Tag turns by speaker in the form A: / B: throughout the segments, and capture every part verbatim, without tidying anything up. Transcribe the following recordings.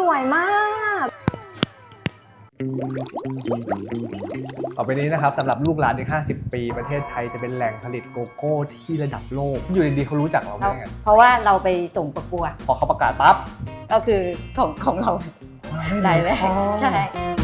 A: วยมาก
B: ต่อไปนี้นะครับสำหรับลูกหลานอีกห้าสิบปีประเทศไทยจะเป็นแหล่งผลิตโกโก้ที่ระดับโลกอยู่ดีๆเขารู้จักเราได้ไง
C: เพราะว่าเราไปส่งประกวด
B: พอเขาประกาศปั๊บ
C: ก็คือของของเราได้เลยใช่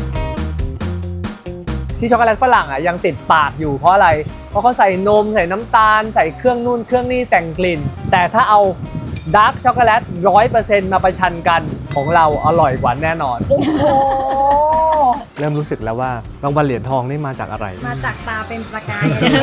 B: ที่ช็อกโกแลตฝรั่งอ่ะยังติดปากอยู่เพราะอะไรเพราะเขาใส่นมใส่น้ำตาลใส่เครื่องนู่นเครื่องนี่แต่งกลิ่นแต่ถ้าเอาดาร์กช็อกโกแลตร้อยเปอร์เซ็นต์มาประชันกันของเราอร่อยกว่าแน่นอนโอ้โหเริ่มรู้สึกแล้วว่ารางวัลเหรียญทองนี่มาจากอะไร
A: มาจากตาเป็นประกาย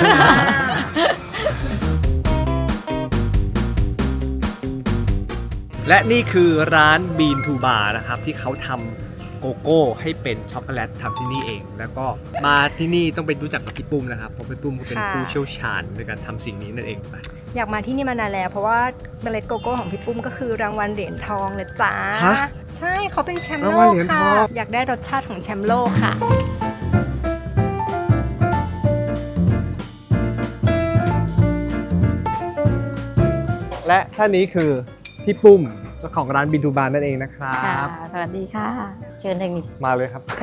B: และนี่คือร้านบีนทูบาร์นะครับที่เขาทำโกโก้ให้เป็นช็อกโกแลตทำที่นี่เองแล้วก็มาที่นี่ต้องไปรู้จักกับพี่ปุ้มนะครับเพราะพี่ปุ้มเขาเป็นผู้เชี่ยวชาญในการทำสิ่งนี้นั่นเองไป
A: อยากมาที่นี่มานานแล้วเพราะว่าเมล็ดโกโก้ของพี่ปุ้มก็คือรางวัลเหรียญทองเลยจ้าใช่เขาเป็นแชมป์โลกค่ะอยากได้รสชาติของแชมป์โลกค่ะ
B: และท่านนี้คือพี่ปุ้มเจ้าของร้านบินทูบาร์นั่นเองนะครับ
C: สวัสดีค่ะเชิญทางนี้
B: มาเลยครับ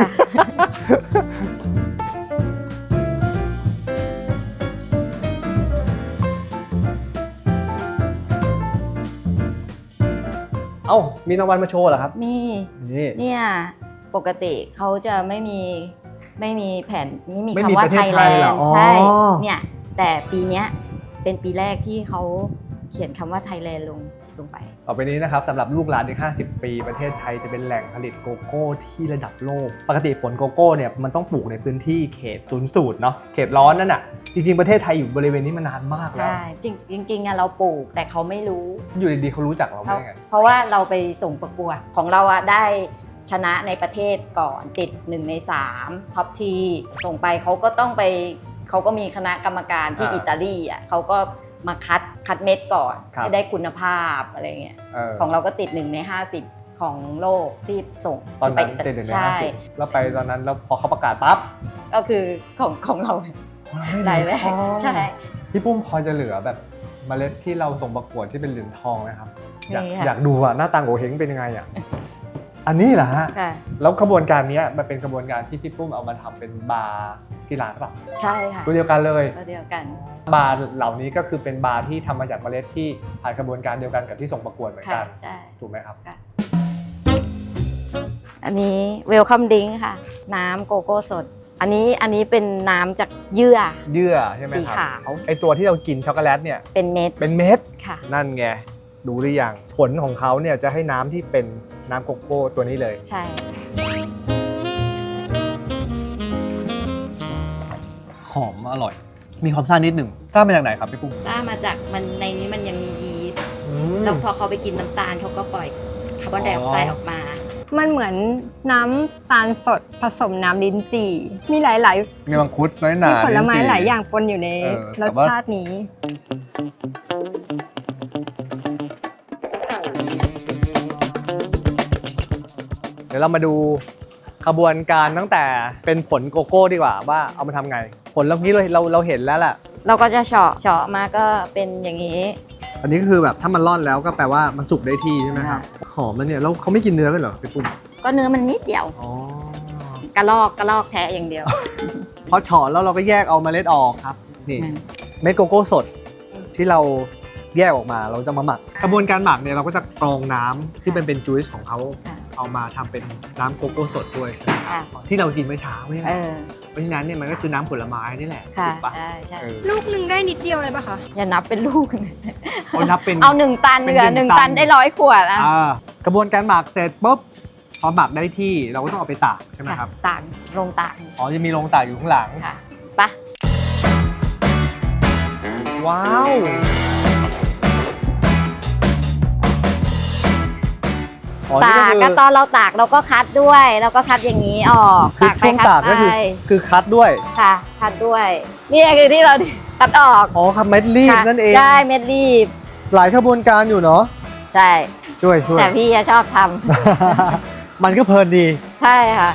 B: เอ้ามีรางวัลมาโชว์เหรอครับ
C: มีนี่เนี่ยปกติเขาจะไม่มีไม่มีแผ่นไม่มีคำว่าไทยแลนด์ใช่เนี่ยแต่ปีนี้เป็นปีแรกที่เขาเขียนคำว่าไทยแลนด์ลงลงไป
B: ต่อไปนี้นะครับสำหรับลูกหลานอีกห้าสิบปีประเทศไทยจะเป็นแหล่งผลิตโกโก้ที่ระดับโลกปกติผลโกโก้เนี่ยมันต้องปลูกในพื้นที่เขตศูนย์สูตรเนาะเขตร้อนนั่นน่ะจริงๆประเทศไทยอยู่บริเวณนี้มานานมากแล้ว
C: ใช่จริงจริงๆเราปลูกแต่เขาไม่รู้
B: อยู่ดีๆเขารู้จักเราได้ไง
C: เพราะว่าเราไปส่งประกวดของเราอะได้ชนะในประเทศก่อนติดหนึ่งในสามท็อปทีส่งไปเขาก็ต้องไปเขาก็มีคณะกรรมการที่อิตาลีอ่ะเขาก็มาคัดคัดเม็ดก่อนให้ได้คุณภาพอะไรเงี้ยของเราก็ติดหนึ่งในห้าสิบของโลกที่ส่ง
B: ตอนนั้นติดหนึ่งในห้าสิบแล้วไปตอนนั้นแล้วพอเขาประกาศปั๊บ
C: ก็คือของของเราได้เลยใช่
B: พี่ปุ้มพอจะเหลือแบบเมล็ดที่เราส่งประกวดที่เป็นเหรียญทองนะครับอยากอยากดูอ่ะหน้าตาโงเห้งเป็นยังไงอ่ะอันนี้เหรอฮะแล้วกระบวนการนี้มันเป็นกระบวนการที่พี่ปุ้มเอามาทำเป็นบาร์ที่ร้านหรอ
C: ใช่ค่ะ
B: ตัวเดียวกันเลย
C: ตัวเดียวกัน
B: บาร์เหล่านี้ก็คือเป็นบาร์ที่ทำมาจากเมล็ดที่ผ่านกระบวนการเดียวกันกับที่ส่งประกวดเหมือนกันถูกไหมครับ
C: อันนี้เวลคัมดิ้งค่ะน้ำโกโก้สดอันนี้อันนี้เป็นน้ำจากเยื่อ
B: เยื่อใช่ไหมครับสีขาวไอตัวที่เรากินช็อกโกแลตเนี่ย
C: เป็นเม็ด
B: เป็นเม็ด
C: ค่ะ
B: นั่นไงดูหรือยังผลของเขาเนี่ยจะให้น้ำที่เป็นน้ำโกโก้ตัวนี้เลย
C: ใช่
B: หอมอร่อยมีความซ่านิดหนึ่งซ่ามาจากไหนครับพี่ปุ้ม
C: ซ่ามาจากมันในนี้มันยังมียีสต์แล้วพอเขาไปกินน้ำตาลเขาก็ปล่อยคาร์บอนไดออกไซด์ออกมา
A: มันเหมือนน้ำตาลสดผสมน้ำลิ้นจี่มีหลายๆ
B: มีมังคุดน้อยหนา
A: มีผลไม้หลายอย่างปนอยู่ในรสชาตินี้
B: เดี๋ยวเรามาดูขบวนการตั้งแต่เป็นผลโกโก้ดีกว่าว่าเอามาทำไงผลเมื่อกี้เราเราเราเห็นแล้วแหละ
C: เราก็จะเฉาะเฉาะมาก็เป็นอย่างนี้
B: อันนี้ก็คือแบบถ้ามันร่อนแล้วก็แปลว่ามันสุกได้ที่ใช่ไหมครับหอมมันเนี่ยแล้วเขาไม่กินเนื้อกันเหรอพี่ปุ้ม
C: ก็เนื้อมันนิดเดียวกระลอกกระลอกแท้อย่างเดียว
B: พอเฉาะแล้วเราก็แยกเอาเมล็ดออกครับนี่เม็ดโกโก้สดที่เราแยกออกมาเราจะมาหมักกระบวนการหมักเนี่ยเราก็จะกรองน้ำที่เป็นเป็นจูสของเขาเอามาทำเป็นน้ำโกโก้สดด้วยที่เรากินเมื่อเช้านี่แหละเพราะฉะนั้นเนี่ยมันก็คือน้ำผลไม้นี่แหละถูกปะ
A: ลูกหนึ่งได้นิดเดียวเลยปะคะ
C: อย่านับเป็นลูก
B: เอานับเป็น
C: เอาหนึ่งตันเหลือหนึ่งตันได้ร้อยขวดอ่ะ
B: กระบวนการหมักเสร็จปุ๊บพอหมักได้ที่เราก็ต้องเอาไปตากใช่ไหมครับ
C: ตากลงตาก
B: อ๋อจะมีลงตากอยู่ข้างหลัง
C: ค่ะปะ
B: ว้าว
C: ตากก็ตอนเราตากเราก็คัดด้วยเราก็คัดอย่างนี้ออก
B: ตากไปคัดไปก็คือคือคัดด้วย
C: ค่ะคัดด้วยนี่คือที่เราคัดออก
B: อ๋อครับเม็ดรีบนั่นเอง
C: ใช่เม็ดรีบ
B: หลายขบวนการอยู่เนาะ
C: ใช่
B: ช่วยช่วย
C: แต่พี่ชอบทำ
B: มันก็เพลินดี
C: ใช่ค่ะ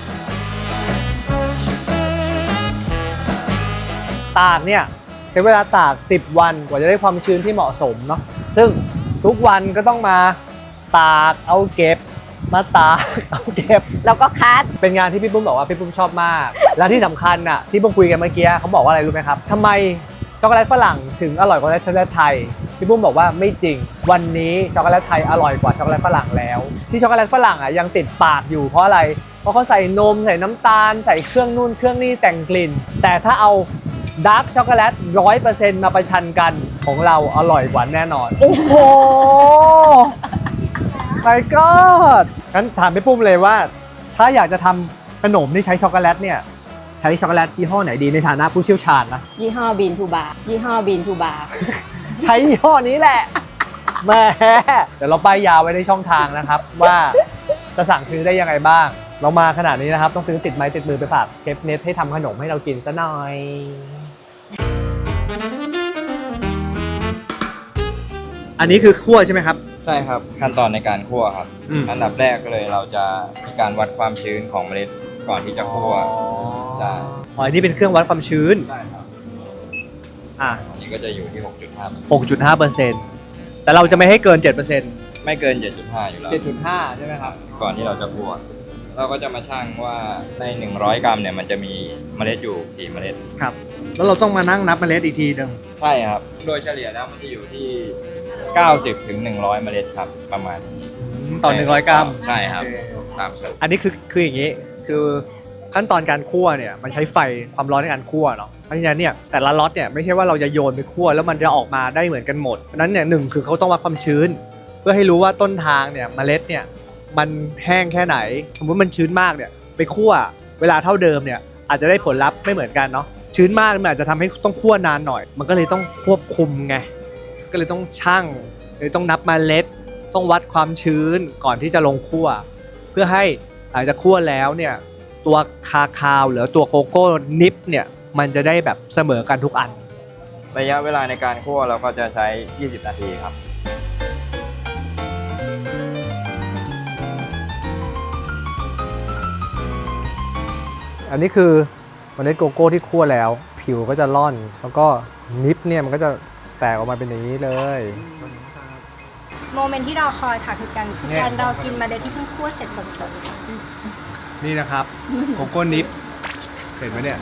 B: ตากเนี่ยใช้เวลาตากสิบวันกว่าจะได้ความชื้นที่เหมาะสมเนาะซึ่งทุกวันก็ต้องมาตากเอาเก็บมาตากเอาเก็บ
C: แล้วก็คัด
B: เป็นงานที่พี่ปุ้มบอกว่าพี่ปุ้มชอบมาก และที่สำคัญอ่ะที่ปุ้มคุยกันเมื่อกี้เขาบอกว่าอะไรรู้ไหมครับทำไมช็อกโกแลตฝรั่งถึงอร่อยกว่าช็อกโกแลตไทยพี่ปุ้มบอกว่าไม่จริงวันนี้ช็อกโกแลตไทยอร่อยกว่าช็อกโกแลตฝรั่งแล้วที่ช็อกโกแลตฝรั่งอ่ะยังติดปากอยู่เพราะอะไรเพราะเขาใส่นมใส่น้ำตาลใส่เครื่องนู่นเครื่องนี่แต่งกลิ่นแต่ถ้าเอาดาร์กช็อกโกแลตร้อยเปอร์เซ็นต์มาประชันกันของเราอร่อยกว่าแน่นอนโอ้โห my god งั้นถามพี่ปุ้มเลยว่าถ้าอยากจะทำขนมที่ใช้ช็อกโกแลตเนี่ยใช้ช็อกโกแลตยี่ห้อไหนดีในฐานะผู้เชี่ยวชาญนะ
C: ยี่ห้อบีนทูบาร์ยี่ห้อบีนทูบาร์
B: ใช้ยี่ห้อนี้แหละแหม่เดี๋ยวเราป้ายยาไว้ในช่องทางนะครับ ว่าจะสั่งซื้อได้ยังไงบ้าง เรามาขนาดนี้นะครับต้องซื้อติดไม้ติดมือไปฝากเชฟเนทให้ทำขนมให้เรากินซะหน่อย อันนี้คือคั่วใช่ไหมครับ
D: ใช่ครับขั้นตอนในการคั่วครับ
B: อืม
D: อันดับแรกเลยเราจะมีการวัดความชื้นของเมล็ดก่อนที่จะคั่ว ใช่
B: อ๋ออันนี้เป็นเครื่องวัดความชื้น
D: ใช่ครับ
B: อ่ะ
D: อันนี้ก็จะอยู่ที่ หกจุดห้า
B: หกจุดห้าเปอร์เซ็นต์ แต่เราจะไม่ให้เกิน เจ็ดเปอร์เซ็นต์
D: ไม่เกิน เจ็ดจุดห้า อยู่แล้ว
B: เจ็ดจุดห้า ใช่ไหมครับ
D: ก่อนที่เราจะคั่วเราก็จะมาชั่งว่าใน หนึ่งร้อย กรัมเนี่ยมันจะมีเมล็ดอยู่กี่เมล็ด
B: ครับ แล้วเราต้องมานั่งนับเมล็ดอีกทีหนึง
D: ใช่ครับ โดยเฉลี่ยแล้วมันจะอยู่ที่ เก้าสิบถึงหนึ่งร้อย เมล็ดครับประมาณนี้
B: ต่อหนึ่งร้อยกรัม
D: ใช่ครับ
B: โอเค
D: ตามสูตร
B: อันนี้คือคืออย่างนี้ คือขั้นตอนการคั่วเนี่ยมันใช้ไฟความร้อนในการคั่วเนาะ เพราะฉะนั้นเนี่ยแต่ละล็อตเนี่ยไม่ใช่ว่าเราจะโยนไปคั่วแล้วมันจะออกมาได้เหมือนกันหมดเพราะฉะนั้นเนี่ยหนึ่งคือเขาต้องวัดความชื้น เพื่อให้รู้ว่าต้นทางเนี่ยเมล็ดเนี่ยมันแห้งแค่ไหน สมมติมันชื้นมากเนี่ยไปคั่วเวลาเท่าเดิมเนี่ยอาจจะได้ผลลัพธ์ไม่เหมือนกันเนาะ ชื้นมากมันอาจจะทำให้ต้องคั่วนานหน่อย มันก็เลยต้องควบคุมไง ก็เลยต้องชั่งเลยต้องนับเมล็ด ต้องวัดความชื้นก่อนที่จะลงคั่ว เพื่อให้หลังจากคั่วแล้วเนี่ยตัวคาคาวหรือตัวโกโก้นิปเนี่ยมันจะได้แบบเสมอกันทุกอัน
D: ระยะเวลาในการคั่วเราก็จะใช้ ยี่สิบ นาทีครับ
B: อันนี้คือเมล็ดโกโก้ที่คั่วแล้ว ผิวก็จะร่อน แล้วก็นิปเนี่ยมันก็จะแตกออกมาเป็นอย่างนี้เลย
A: โมเมนต์ที่เราคอยค่ะคือการคือการเรากินเมาเดที่เพิ่งคั่วเสร็จสดๆค่ะ
B: นี่นะครับโกโก้นิปเห็นไหมเนี่ย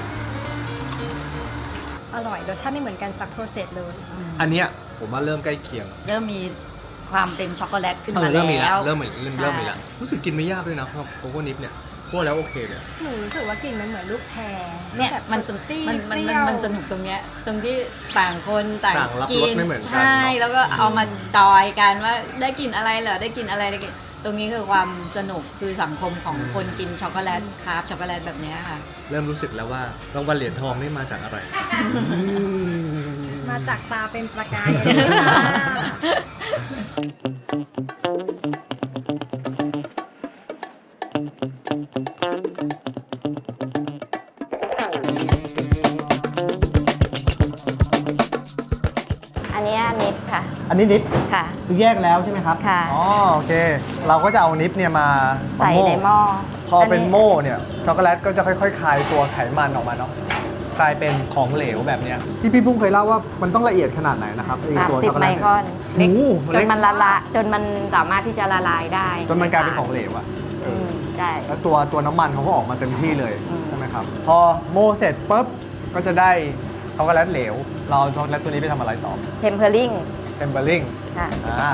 A: อร่อยรสชาติไม่เหมือนกันสักโปรเซสเลย
B: อันเนี้ยผมว่าเริ่มใกล้เคียง
C: เริ่มมีความเป็นช็อกโกแลตขึ้น
B: เอ
C: มา
B: อ
C: แล้ว
B: เริ่มมีแล้วเริ่มมีเริ่ม
C: ใช่
B: เริ่มมีแล้วรู้สึกกินไม่ยากด้วยนะครับโกโก้นิปเนี่ยคั่วแล้วโอเคเลย
A: หนูรู้สึกว่ากลิ่นมันเหมือนลูกแพร
C: เนี่ย
A: แบบ
C: มันส
A: ฟรุตตี้
C: มันมัน
A: เป
C: มัน
A: รี้ยว
C: มันสนุกตรงเนี้ยตรงที่ต่างคนต่าง
B: ต่างรับ
C: กิ
B: รสไม่เหมือนกัน
C: ใช่
B: เนอะ
C: แล้วก็เอามาจอยกันว่าได้กินอะไรเหรอได้กินอะไรได้กินตรงนี้คือความสนุกคือสังคมของคนกินช็อกโกแลตคราฟช็อกโกแลตแบบเนี้ยค่ะ
B: เริ่มรู้สึกแล้วว่ารางวัลเหรียญทองนี่มาจากอะไร
A: มาจากตาเป็นประกายเลยค่ะ
C: อันเนี้ยนิดค่ะ
B: อันนี้นิป
C: ค่ะ
B: คือแยกแล้วใช่ไหมครับ
C: ค่ะ
B: อ๋อโอเค เราก็จะเอานิปเนี่ยมา
C: ใส่ในหม้อ
B: พอเป็นโม่เนี่ยช็อกโกแลตก็จะค่อยๆคลายตัวไขมันออกมาเนาะกลายเป็นของเหลวแบบเนี้ยที่พี่ปุ้มเคยเล่าว่ามันต้องละเอียดขนาดไหนนะครับไอ้
C: สาม
B: ตัว
C: สิ
B: ช็
C: บอก
B: โก
C: ไม
B: แลต
C: ครอนเล็ก
B: โอ้โห
C: จ
B: เล็
C: น
B: ก
C: มันละละจนมันสามารถที่จะละลายได้
B: จนมันกลายเป็นของเหลวอะเอ
C: อื
B: อ
C: มใช่
B: แล้วตัวตัวน้ำมันเขาก็ออกมาเต็มที่เลย
C: อืม
B: ใช่ไหมครับ พอโม่เสร็จปุ๊บก็จะได้ช็อกโกแลตเหลว เราเอาช็อกโกแลตตัวนี้ไปทำอะไรต่อ
C: เทมเพอร์ลิง
B: เทมเบอร์ลิง
C: ค่ะ
B: อ่า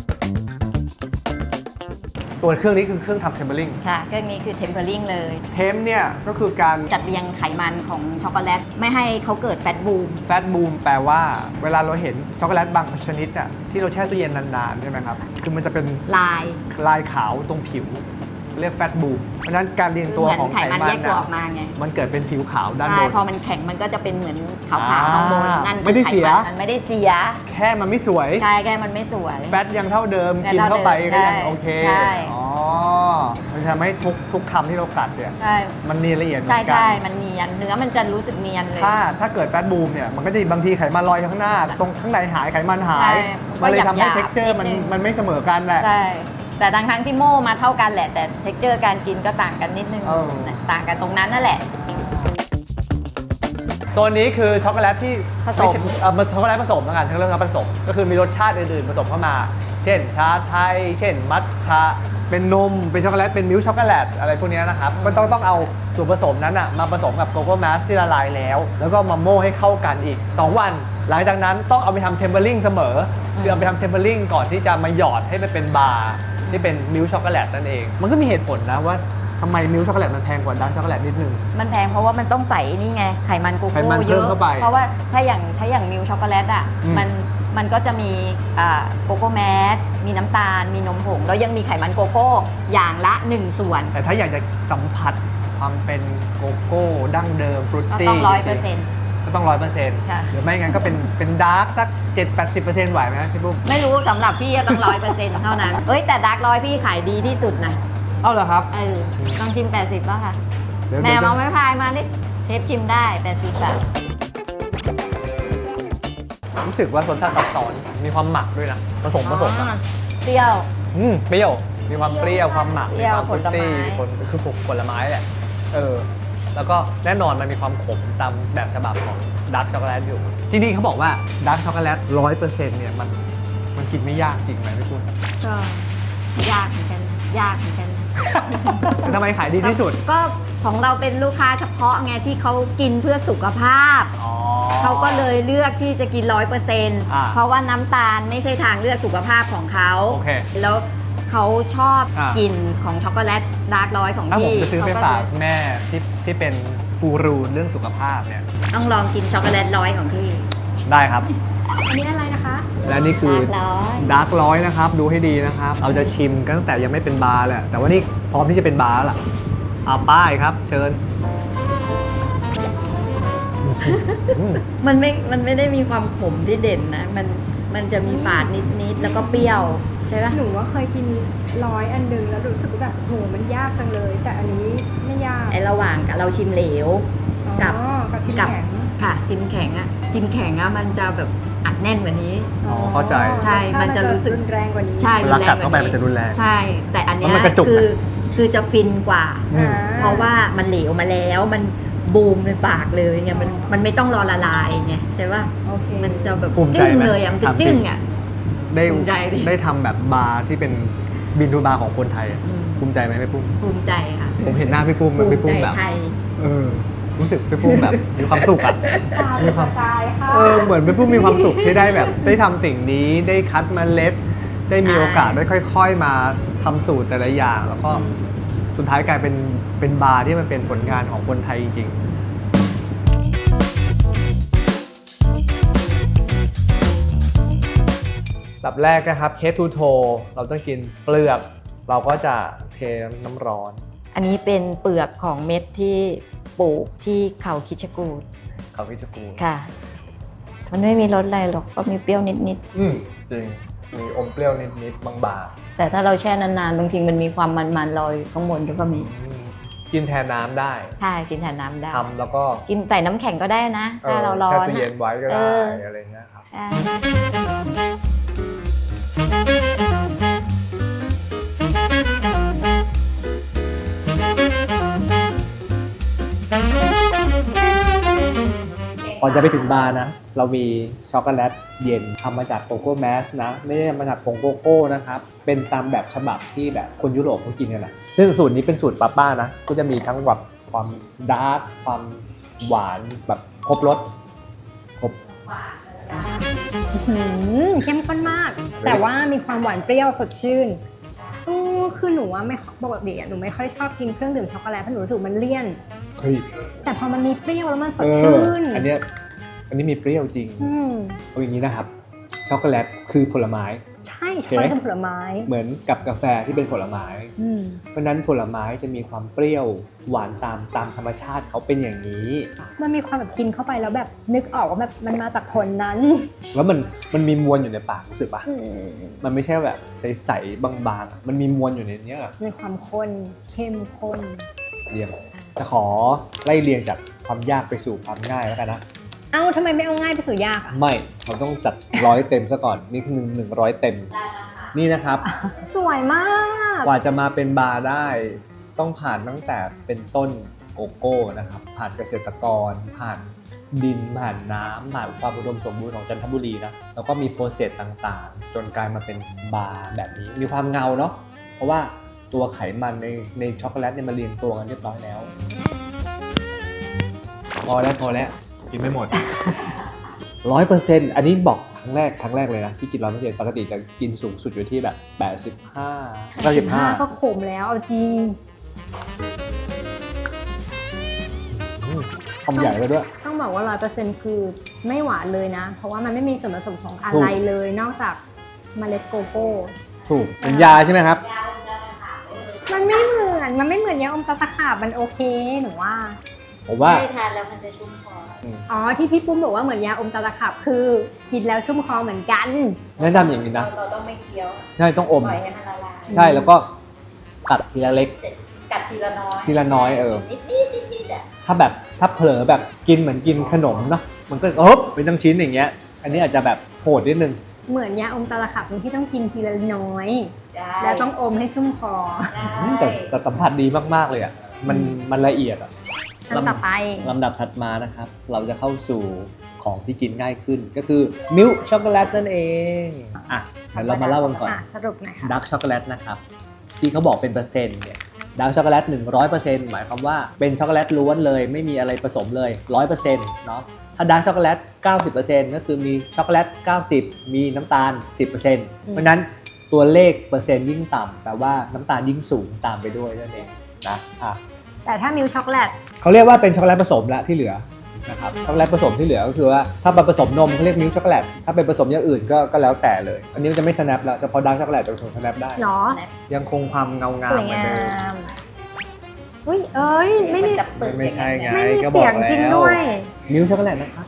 B: ตัวเครื่องนี้คือเครื่องทำเทมเบอร์ลิง
C: ค่ะเครื่องนี้คือเทมเพอร์ลิงเลย
B: เทมเนี่ยก็คือการ
C: จัดเรียงไขมันของช็อกโกแลตไม่ให้เขาเกิดแฟตบูม
B: แฟตบูมแปลว่าเวลาเราเห็นช็อกโกแลตบางชนิดอ่ะที่เราแช่ตู้เย็นนานๆใช่ไหมครับ คือมันจะเป็น
C: ลาย
B: ลายขาวตรงผิว เรียกแฟตบูมเพราะฉะนั้นการเรียง
C: คือ
B: ตัว
C: เหมือน
B: ของ
C: ไข
B: ไข
C: มัน
B: มัน
C: แยกตัว
B: น่ะ
C: ออกมาไง
B: มันเกิดเป็นผิวขาวด้าน
C: ใช่
B: บน
C: พอมันแข็งมันก็จะเป็นเหมือนขาว
B: อ่า
C: ๆข้างบนนั่นคือ
B: ไม่ได้
C: ข
B: เสีย
C: มันมันไม่ได้เสีย
B: แค่มันไม่สวย
C: ใช่แค่มันไม่สวย
B: แฟตยังเท่าเดิม
C: แฟต
B: กิน
C: เท่า
B: เข้าไป
C: เดิม
B: ก็ยัง
C: ใช่
B: โอเค
C: ใช่
B: อ๋อมันจะทำให้ทุกทุกคำที่เรากัดเนี่ย
C: ใช่
B: มันเนียนละเอียดเหมือ
C: ใช่
B: นกั
C: ใช่
B: น
C: มันเนียนเนื้อมันจะรู้สึกเนียนเลย
B: ถ้าถ้าเกิดแฟตบูมเนี่ยมันก็จะบางทีไขมันลอยข้างหน้า ตรงข้างในหายไขมันหา
C: ใช่
B: ย
C: มันก็
B: มันเลยทำให้
C: หยาบๆ
B: เท็กเจอร์มัน
C: นิดนึง
B: มันไม่เสมอกันแหละ
C: ใช่ แต่ทั้งทั้งๆที่โม่มาเท่ากันแหละ แต่เท็กเจอร์การกินก็ต่างกันนิดนึง
B: เออ
C: ต่างกันตรงนั้นนั่นแหละ
B: ตัวนี้คือช็อกโกแลตที่
C: ผสม
B: ไใช่เอ่อมันช็อกโกแลตผสมแล้วกันทั้งเรื่องผสม ก็คือมีรสชาติอื่นๆผสมเข้ามา เช่นชาไทย เช่นมัทฉะเป็นนมเป็นช็อกโกแลตเป็นมิลค์ช็อกโกแลตอะไรพวกนี้นะครับก็ต้องต้องเอาส่วนผสมนั้นอะมาผสมกับโกโก้แมสที่ละลายแล้ว แล้วก็มาโม่ให้เข้ากันอีกสองวันหลังจากนั้นต้องเอาไปทำเทมเปอร์ลิงเสมอคือเอาไปทำเทมเปอร์ลิงก่อนที่จะมาหยอดให้มันเป็นบาร์ที่เป็นมิลค์ช็อกโกแลตนั่นเองมันก็มีเหตุผลนะว่าทำไมมิลค์ช็อกโกแลตมันแพงกว่าดาร์กช็อกโกแลตนิดนึง
C: มันแพงเพราะว่ามันต้องใส่นี่ไงไขมันโก
B: ไข
C: โก้
B: มัน
C: เย
B: เพิ่ม
C: อะ
B: เข้าไป
C: เพราะว่าถ้าอย่างถ้าอย่างมิลช็อกโกแลตอ่ะ
B: อืม
C: มันมันก็จะมีอ่าโกโก้แมสมีน้ำตาลมีนมผงแล้วยังมีไขมันโกโก้อย่างละหนึ่งส่วน
B: แต่ถ้าอยากจะสัมผัสความเป็นโกโก้ดั้งเดิมฟรุต
C: ก็
B: ตี้
C: ต้องร้อยเปอร์เซ็นต์
B: ก็ต้องร้อยเปอร์เซ็นต์
C: ค่ะ
B: หรือไม่งั้นก็เป็นเป็นดาร์กสักเจ็ดแปดสิบเปอร์เซ็นต์ไหวไหมพี่ปุ้ม
C: ไม่รู้สำหรับพี่ก็ต้องร้อยเปอร์เซ็นต์เท่านั้นเอ้ยแต่ดาร์กร้อยพี่ขายดีที่สุดนะ
B: เอ้าเหรอครับ
C: เออลองชิมแปดสิบป่ะค่ะ
B: เดี๋ยว
C: แม่
B: เดี๋ยว
C: เอาไม้พายมาดิเชฟชิมได้แปดสิบบาท
B: รู้สึกว่ารสชาติซับซ้อนมีความหมักด้วยนะผสมผสม
C: อ๋อ
B: อะ
C: เปรี้ยว
B: อืมเปรี้ยวมีความเปรี้ยวความหมัก
C: เปรี้
B: มี
C: ยว
B: ความฟรุตตี้
C: ผลไม้
B: ผลคือผลไม้แหละเออแล้วก็แน่นอนมันมีความขมตามแบบฉบับของดาร์กช็อกโกแลตอยู่ที่นี่เขาบอกว่าดาร์กช็อกโกแลตร้อยเปอร์เซ็นต์เนี่ยมันมันกินไม่ยากจริงไหมพี่ปุ้ม
C: ก็ยากเหมือนกันยากเหมือนกัน
B: ทำไมขายดีที่สุด
C: ก็ของเราเป็นลูกค้าเฉพาะไงที่เขากินเพื่อสุขภาพ
B: อ๋อ
C: เขาก็เลยเลือกที่จะกินร้อยเปอร์เซ็นต์
B: อ่า
C: เพราะว่าน้ำตาลไม่ใช่ทางเลือกสุขภาพของเขา
B: โอเค
C: แล้วเขาชอบ
B: อ่าก
C: ลิ่นของช็อกโกแลตดาร์กร้อยของ
B: ถ้าผม
C: พี่
B: จะซื้อไป
C: เข
B: ฝาก
C: เลย
B: แม่ที่ที่เป็นกูรูเรื่องสุขภาพเนี่ย
C: ต้องลองกินช็อกโกแลตร้อยของพี่
B: ได้ครับ
A: อันนี้อะไรนะคะ
B: และนี่คือ
C: ดาร์กร้อย
B: ดาร์กร้อยนะครับดูให้ดีนะครับ เราจะชิมกันตั้งแต่ยังไม่เป็นบาร์แหละแต่ว่านี่พร้อมที่จะเป็นบาร์แล้วล่ะเอาป้ายครับ เชิญอืม
C: มันไม่มันไม่ได้มีความขมที่เด่นนะมันมันจะมีฝาดนิดๆแล้วก็เปรี้ยวใช่ปะ
A: หนูว่าเคยกินร้อยอันหนึงแล้วรู้สึกว่าแบบโหมันยากจังเลย แต่อันนี้ไม่ยาก
C: ไอระหว่างกับเราชิมเหลว กับ
A: อ๋อกับชิม
C: กับ
A: แข็ง
C: ค่ะชิมแข็งอะชิมแข็งอะมันจะแบบอัดแน่นกว่านี้
B: อ๋อเข้าใจ
C: ใช่มันจะรู้สึก
A: รุนแรงกว่านี้
C: ใช่
B: เวลากัดเข้าไปมันจะรุนแรง
C: ใช่ แต่อันเนี้ย
B: แล้วมันกระจุก
C: คือคือจะฟินกว่า
B: อืม
C: เพราะว่ามันเหลวมาแล้วมันบูมในปากเลยไงมันมันไม่ต้องรอละลายไงใช่ป่ะ
A: โอเค
C: มันจะแบบ
B: ภูมิใจ
C: จึ้ง
B: ไหม
C: เลยอะมันจะ
B: ถามจริง
C: จึ้งอะ
B: ได้
C: ภูมิใจดิ
B: ได้ทำแบบบาร์ที่เป็นบินทูบาร์ของคนไทยอะ
C: อืม
B: ภูมิใจไหมพี่ปุ้ม
C: ภูมิใจค่ะ
B: ผมเห็นหน้าพี่ปุ้ม
C: ภู
B: พี่
C: มิ
B: ปุ้
C: ใจ
B: มแบบ
C: ไทย
B: เออรู้สึกพี่ปุ้มแบบมีความสุขอะ
A: ตา
B: มีความ
A: ตายค่ะ
B: เออเหมือนเป็นผู้มีความสุขที่ได้แบบได้ทำสิ่งนี้ได้คัดเมาเล็ด ได้มีโอกาสได้ค่อย ๆ มาทำสูตรแต่ละอย่าง แล้วก็สุดท้ายกลายเป็นเป็นบาร์ที่มันเป็นผลงานของคนไทยจริงๆแบบแรกนะครับ head to toe เราต้องกินเปลือก เราก็จะเทน้ำร้อน
C: อันนี้เป็นเปลือกของเม็ดที่ปลูกที่เขาคิชกูด
B: เขาพิจกูล
C: ค่ะ มันไม่มีรสอะไรหรอกก็มีเปรี้ยวนิด
B: อืมจริง มีอมเปรี้ยวนิดๆบาง
C: ๆ แต่ถ้าเราแช่นานๆ บางทีมันมีความมันๆลอยอยู่ข้างบนด้วยก็มี
B: ๆอืมกินแทนน้ำได้
C: ใช่กินแทนน้ำได้
B: ทำแล้วก็
C: กินใส่น้ำแข็งก็ได้นะ ถ้าเราร้อ
B: แช่
C: น
B: ตู้เย็นไว้ก็
C: เอ
B: ได้
C: อ
B: อะไรเงี้ยครับ
C: อ่า
B: ก่อนจะไปถึงบาร์นะ เรามีช็อกโกแลตเย็นทำมาจากโกโก้แมสนะ ไม่ได้มาจากผงโกโก้นะครับ เป็นตามแบบฉบับที่แบบคนยุโรปเขากินกันนะซึ่งสูตรนี้เป็นสูตรป้าป้านะ ก็จะมีทั้งแบบความดาร์กความหวานแบบครบรสครบ
A: หืมเข้มข้นมาก แต่ว่ามีความหวานเปรี้ยวสดชื่นอือคือหนูว่าไม่ปกติอะหนูไม่ค่อยชอบกินเครื่องดื่มช็อกโกแลตเพราะหนูรู้สึกมันเลี่ยน
B: เฮ้ย
A: แต่พอมันมีเปรี้ยวแล้วมันส
B: เอ
A: ด
B: อ
A: ชื่น
B: อันเนี้ยอันนี้มีเปรี้ยวจริง
A: อืม
B: เอาอย่างนี้นะครับ ช็อกโกแลตคือผลไม้
A: ใช่ช็อกโกแลตเป็นผลไม้
B: เหมือนกับกาแฟที่เป็นผลไม้
A: อืม
B: เพราะฉะนั้นผลไม้จะมีความเปรี้ยวหวานตามตามธรรมชาติเขาเป็นอย่างนี้
A: มันมีความแบบกินเข้าไปแล้วแบบนึกออกว่าแบบมันมาจากผลนั้น
B: แล้วมันมันมีมวลอยู่ในปากรู้สึกปะ
A: อืม
B: มันไม่ใช่แบบใสๆบางๆอะมันมีมวลอยู่ในเนี้ย
A: มีความข้นเข้มข้น
B: เรียงจะขอไล่เรียงจากความยากไปสู่ความง่ายแล้วกันนะ
A: เอ้าทำไมไม่เอาง่ายไปสู่ยากอ่ะ
B: ไม่เราต้องจัดร้อยเต็มซะก่อนนี่คือหนึ่งหนึ่งร้อยเต็มนี่นะครับ
A: สวยมาก
B: กว่าจะมาเป็นบาร์ได้ ต้องผ่านตั้งแต่เป็นต้นโกโก้นะครับ ผ่านเกษตรกร ผ่านดินผ่านน้ำผ่านความอุดมสมบูรณ์ของจันทบุรีนะแล้วก็มีโปรเซสต่างๆ จนกลายมาเป็นบาร์แบบนี้มีความเงาเนาะเพราะว่าตัวไขมันในในช็อกโกแลตเนี่ยมาเรียงตัวกันเรียบร้อยแล้วพอแล้วพอแล้วกินไม่หมด ร้อยเปอร์เซ็นต์อันนี้บอกครั้งแรกครั้งแรกเลยนะที่กินร้อยเปอร์เซ็นต์ปกติจะกินสูงสุดอยู่ที่แบบแปดสิบห้าเก้าสิบห้า
A: ก็ขมแล้วเอาจริง
B: คำใหญ่ไปด้วย
A: ต้องบอกว่า ร้อยเปอร์เซ็นต์ คือไม่หวานเลยนะ เพราะว่ามันไม่มีส่วนผสมของอะไรเลยนอกจากเมล็ดโกโก้
B: ถูกเป็นยาใช่ไหมครับ
A: มันไม่เหมือน มันไม่เหมือนยาอมตะตะขาบมันโอเคหนูว่า
B: ผมว่า
C: ไม่ทานแล้วมันจะชุ่มคอ
A: อ๋อที่พี่ปุ้มบอกว่าเหมือนยาอมตะตะขาบคือกินแล้วชุ่มคอเหมือนกัน
B: แนะนำอย่างนี้นะ
C: เราต้องไม่เคี้ยว
B: ใช่ต้องอม
C: ปล่อยให้มันละลาย
B: ใช่แล้วก็กัดทีละเล็ก
C: กัดทีละน้อย
B: ทีละน้อยเออ
C: นิดนิดนิดนิดอ่ะ
B: ถ้าแบบถ้าเผลอแบบกินเหมือนกินขนมเนาะมันก็เอ๊บเป็นทั้งชิ้นอย่างเงี้ย อันนี้อาจจะแบบโหดนิดนึง
A: เหมือนยาอมตะตะขาบตรงที่ต้องกินทีละน้อย
C: ได้
A: แล้วต้องอมให้ชุ่มคอ
B: อืมแต่แต่สัมผัสดีมากๆเลยอ่ะมันมันละเอียดอ่ะ
A: อันต่อไป
B: ลำดับถัดมานะครับ เราจะเข้าสู่ของที่กินง่ายขึ้น ก็คือมิลค์ช็อกโกแลตนั่นเองอ่ะเดี๋ยวเรามาเล่ากันก่อน
A: อ่ะสรุปหน่อยค่ะ
B: ดาร์กช็อกโกแลตนะครับที่เขาบอกเป็นเปอร์เซ็นต์เนี่ยดาร์กช็อกโกแลตหนึ่งร้อยเปอร์เซ็นต์หมายความว่าเป็นช็อกโกแลตล้วนเลยไม่มีอะไรผสมเลย ร้อยเปอร์เซ็นต์ เนาะถ้าดาร์กช็อกโกแลต เก้าสิบเปอร์เซ็นต์ ก็คือมีช็อกโกแลต เก้าสิบ มีน้ำตาล สิบเปอร์เซ็นต์ เพราะฉะนั้นตัวเลขเปอร์เซ็นต์ยิ่งต่ำแปลว่าน้ำตาลยิ่งสูงตามไปด้วยนั่นเองนะอ่ะ
A: แต่ถ้ามิลค์ช็อกโกแลต
B: เขาเรียกว่าเป็นช็อกโกแลตผสมละที่เหลือนะครับช็อกโกแลตผสมที่เหลือก็คือว่าถ้าเป็นผสมนมเขาเรียกมิลค์ช็อกโกแลตถ้าเป็นผสมอย่างอื่นก็ก็แล้วแต่เลยอันนี้มันจะไม่ snap แล้วเฉพาะดาร์กช็อกโกแลตจะผสม snap ได้
A: เนาะ
B: ยังคงความเงางา
A: ส
B: ม
A: วย
B: เหมือน
A: งา
B: เดิม
A: มอุ้ยเอ้ยไม่มี
C: นจะเปิด
B: ไม่ใช่ไง
A: ไม่มี
B: ก็บอ
A: เสีย
B: ก
A: ง
B: แล้ว
A: จริงด้วย
B: มิลค์ช็อกโกแลตนะครับ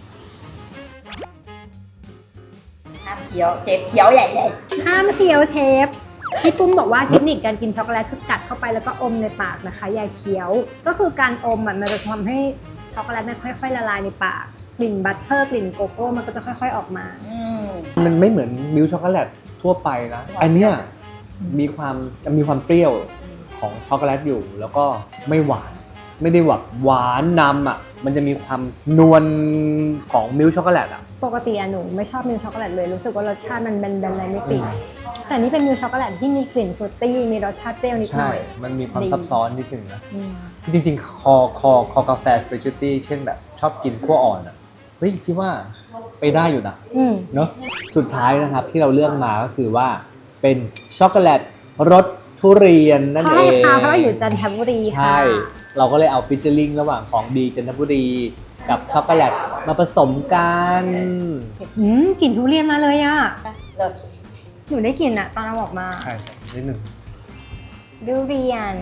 C: ห้ามเคี้ยวเจ็บเคี้ยวใหญ่เลย
A: ห้ามเคี้ยวเชฟพี่ปุ้มบอกว่าเทคนิคการกินช็อกโกแลตคือกัดเข้าไปแล้วก็อมในปากนะคะอย่าเคี้ยว ก็คือการอมอะมันจะทำให้ช็อกโกแลตมันค่อยๆละลายในปากกลิ่นบัตเตอร์กลิ่นโกโก้มันก็จะค่อยๆออกมา
C: อืม
B: มันไม่เหมือนมิลค์ช็อกโกแลตทั่วไปนะอันเนี้ยมีความจะมีความเปรี้ยวของช็อกโกแลตอยู่ แล้วก็ไม่หวานไม่ได้หวานหวานนำอ่ะมันจะมีความนวลของมิลค์ช็อกโกแลตอ่ะ
A: ปกติอะหนูไม่ชอบมิลค์ช็อกโกแลตเลยรู้สึกว่ารสชาติมันแบนๆอะไรไม่ติดแต่นี่เป็นมิลค์ช็อกโกแลตที่มีกลิ่นฟรุตตี้มีรสชาติเปรี้ยวนิดห
B: ใช่
A: น่อย
B: มันมีความ
A: ดี
B: ซับซ้อนนิดนึงนะ
A: อืม
B: จริงๆ คอคอคอกาแฟสเปเชียลตี้เช่นแบบชอบกินขั้วอ่อนอ่ะเฮ้ยพี่ว่าไปได้อยู่นะ
A: อืม
B: เนาะสุดท้ายนะครับที่เราเลือกมาก็คือว่าเป็นช็อกโกแลตรสทุเรียนนั่น
A: เขา
B: เอ
A: ให้
B: ง
A: ค่ะเพราะเราอยู่จันทบุรีค่ะ
B: ใช่ เราก็เลยเอาฟิชเชอร์ลิงระหว่างของดีจันทบุรีกับช็อกโกแลตมาผสมกัน
A: อืมกลิ่นทุเรียนมาเลยอะ
C: เลิศ
A: หนูได้กลิ่นอะตอนเราออกมา
B: ใช่นิดหนึ่ง
A: ทุเรียน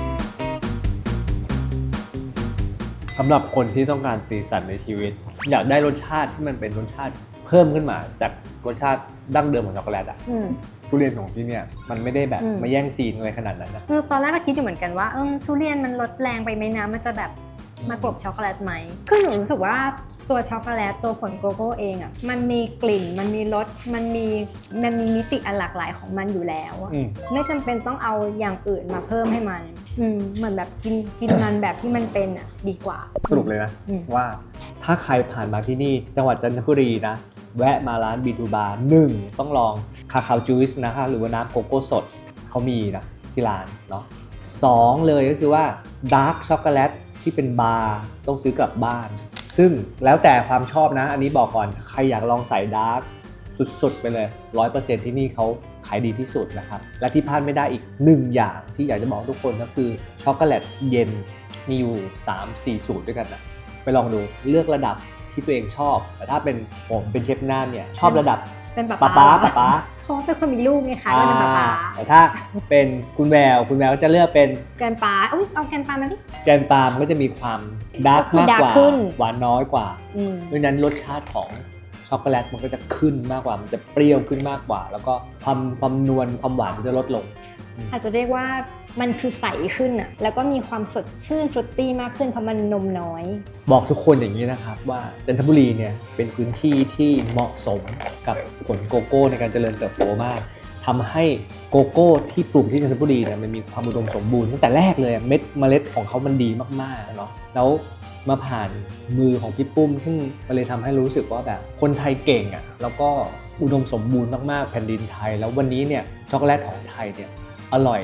B: สำหรับคนที่ต้องการสีสันในชีวิต อยากได้รสชาติที่มันเป็นรสชาติเพิ่มขึ้นมาจากรสชาติดั้งเดิมของช็อกโกแลตอ่ะ
A: อืม
B: ทุเรียนของที่เนี่ยมันไม่ได้แบบ
A: อืม
B: มาแย่งซีนอะไรขนาดนั้นนะ
A: คือตอนแรกก็คิดอยู่เหมือนกันว่าเออทุเรียนมันลดแรงไปไหมนะมันจะแบบมากลบช็อกโกแลตไหมคือหนูรู้สึกว่าตัวช็อกโกแลตตัวผลโกโก้เองอ่ะมันมีกลิ่นมันมีรสมันมีมันมีมิติอันหลากหลายของมันอยู่แล้วอะ
B: อืม
A: ไม่จำเป็นต้องเอาอย่างอื่นมาเพิ่มให้มันอืมเหมือนแบบกินกินมันแบบที่มันเป็นอ่ะดีกว่า
B: สรุปเลยนะ
A: อืม
B: ว่าถ้าใครผ่านมาที่นี่จังหวัดจันทบุรีนะ แวะมาร้านบีทูบาร์หนึ่งต้องลองคาคาวจูสนะคะหรือว่าน้ำโกโก้สดเขามีนะที่ร้านเนาะสองเลยก็คือว่าดาร์กช็อกโกแลตที่เป็นบาร์ต้องซื้อกลับบ้าน ซึ่งแล้วแต่ความชอบนะ อันนี้บอกก่อนใครอยากลองใส่ดาร์กสุดๆไปเลย ร้อยเปอร์เซ็นต์ ที่นี่เขาขายดีที่สุดนะครับและที่พลาดไม่ได้อีกหนึ่งอย่างที่อยากจะบอกทุกคนก็คือช็อกโกแลตเย็นมีอยู่ สามสี่ สูตรด้วยกันนะไปลองดูเลือกระดับที่ตัวเองชอบแต่ถ้าเป็นผมเป็นเชฟน่านเนี่ยชอบระดับ
A: เป็นป๊า
B: ป๊าป๊าป๊าป๊า
A: เพราะว่าเป็นคนมีลูกไงคะก็เป็นป๊าป๊า
B: แต่ถ้าเป็นคุณแววคุณแววก็จะเลือกเป็น
A: แกนปลาอุ้ยเอาแกนปลามาดิ
B: แกนปาล์มก็จะมีความดาร์กมากกว่า
A: ดาร์กขึ้น
B: หวานน้อยกว่า
A: อืม
B: เพราะฉะนั้นรสชาติของช็อกโกแลตมันก็จะขึ้นมากกว่ามันจะเปรี้ยวขึ้นมากกว่า แล้วก็ความความนวลความหวานมันจะลดลง
A: อาจจะเรียกว่ามันคือใสขึ้นอ่ะแล้วก็มีความสดชื่นฟรุตตี้มากขึ้นเพราะมันนมน้อย
B: บอกทุกคนอย่างนี้นะครับว่าจันทบุรีเนี่ยเป็นพื้นที่ที่เหมาะสมกับผลโกโก้ในการเจริญเติบโตมากทำให้โกโก้ที่ปลูกที่จันทบุรีเนี่ยมันมีความอุดมสมบูรณ์ตั้งแต่แรกเลยเม็ดเมล็ดของเขามันดีมากๆเนาะแล้วมาผ่านมือของพี่ปุ้มซึ่งมันเลยทำให้รู้สึกว่าแบบคนไทยเก่งอ่ะแล้วก็อุดมสมบูรณ์มากๆแผ่นดินไทย แล้ววันนี้เนี่ยช็อกโกแลตของไทยเนี่ยอร่อย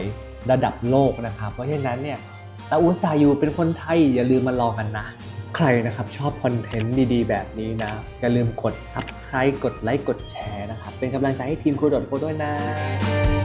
B: ระดับโลกนะครับเพราะฉะนั้นเนี่ยเราอุตส่าห์อยู่เป็นคนไทยอย่าลืมมาลองกันนะใครนะครับชอบคอนเทนต์ดีๆแบบนี้นะอย่าลืมกด ซับสไครบ์ กดไลค์กดแชร์นะครับเป็นกำลังใจให้ทีมโคดโดด้วยนะ